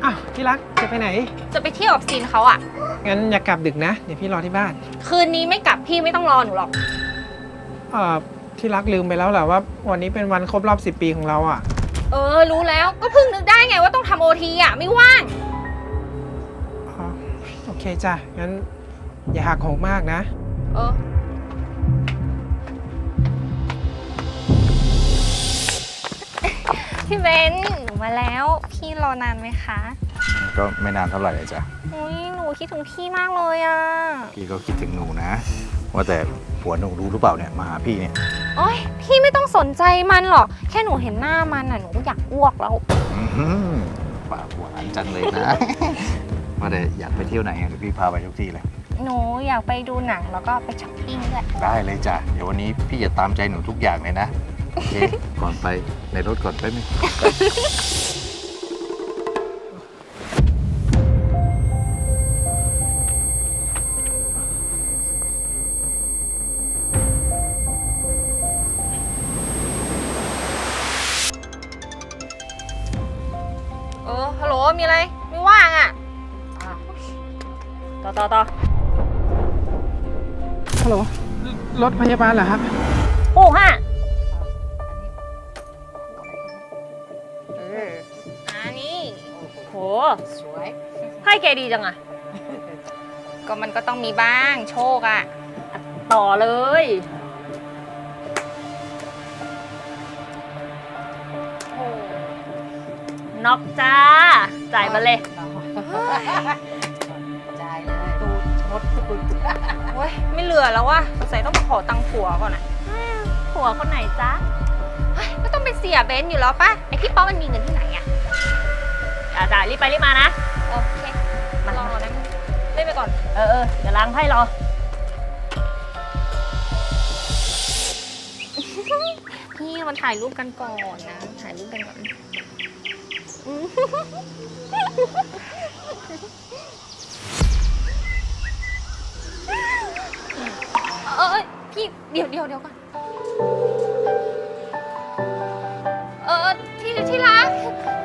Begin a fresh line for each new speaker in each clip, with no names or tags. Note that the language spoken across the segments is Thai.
อ้าวที่รักจะไปไหน
จะไปเที่ยวกับซีนเขาอะ
งั้นอย่ากลับดึกนะเดี๋ยวพี่รอที่บ้าน
คืนนี้ไม่กลับพี่ไม่ต้องรอหนูหรอก
ที่รักลืมไปแล้วแหละว่าวันนี้เป็นวันครบรอบ10 ปีของเราอ่ะ
รู้แล้วก็เพิ่งนึกได้ไงว่าต้องทำโอทีอะไม่ว่าง
โอเคจ้ะงั้นอย่าหักโหมมากนะ
พี่เบนหนูมาแล้วพี่รอนานไหมคะ
ก็ไม่นานเท่าไหร่เลยจ้ะ
หนูคิดถึงพี่มากเลยอ่ะ
พี่ก็คิดถึงหนูนะว่าแต่ผัวหนูรู้หรือเปล่าเนี่ยมาหาพี่เนี่ย
โอ๊ยพี่ไม่ต้องสนใจมันหรอกแค่หนูเห็นหน้ามันอ่ะหนูก็อยากอ้วกแล้ว
ปากหวานจังเลยนะว่าแต่อยากไปเที่ยวไหนเดี๋ยวพี่พาไปทุกที่เลย
หนูอยากไปดูหนังแล้วก็ไปช้อปปิ้งด้วย
ได้เลยจ้ะเดี๋ยววันนี้พี่จะตามใจหนูทุกอย่างเลยนะโอเคก่อนไปในรถก่อนไปไหม
ฮัลโหลมีอะไรไม่ว่างอ่ะต่อ
ฮัลโหลรถพยาบาลเหรอครับ
โอ้ฮะนี่โหสวยให้แกดีจังอะก็มันก็ต้องมีบ้างโชคอะต่อเลยน็อกจ้าจ่ายมาเลย
จ่ายเลยตูชดตู
โอ้ยไม่เหลือแล้วว่ะสงสัยต้องมาขอตังค์ผัวก่อนอะผัวคนไหนจ๊ะก็ต้องเป็นเสียเบนซ์อยู่แล้วป่ะไอพี่ป๊อปมันมีเงินที่ไหนอะจ่ายรีบไปรีบมานะโอเคมารอนะเล่นไปก่อนเดี๋ยวล้างไพ่รอพี่มันถ่ายรูปกันก่อนนะถ่ายรูปกันก่อนพี่เดี๋ยวก่อนที่รัก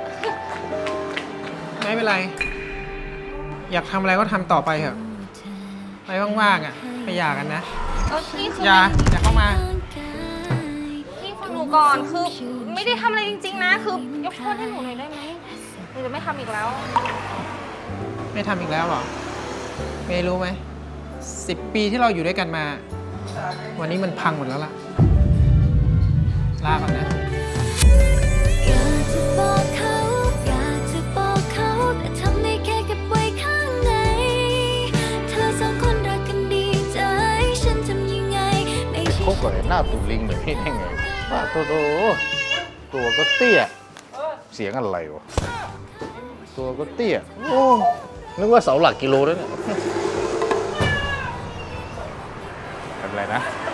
ไม่เป็นไรอยากทำอะไรก็ทำต่อไปเถอะไปว่างๆอ่ะไปหย่ากันนะ
พี่คือ
อย่าเข้ามา
พี่ฟังหนูก่อนคือไม่ได้ทำอะไรจริงๆนะคือยกโทษให้หนูหน่อยได้ไหมหนูจะไม่ทำอีกแล้ว
ไม่ทำอีกแล้วหรอไม่รู้ไหม10 ปีที่เราอยู่ด้วยกันมาวันนี้มันพังหมดแล้วล่ะลาก่อนนะ
อยากจะบอกเขาแต่ทำได้แค่เก็บไว้ข้างในเธอสองคนรักกันดีใจฉันทำยังไงไม่ใช่
คบกับหน้าตูลิงแบบนี้ได้ไงป้าตัวก็เตี้ยเสียงอะไรวะตัวก็เตี้ยโอ้นึกว่าเสาหลักกิโลแล้วเนี่ยทำอะไรนะ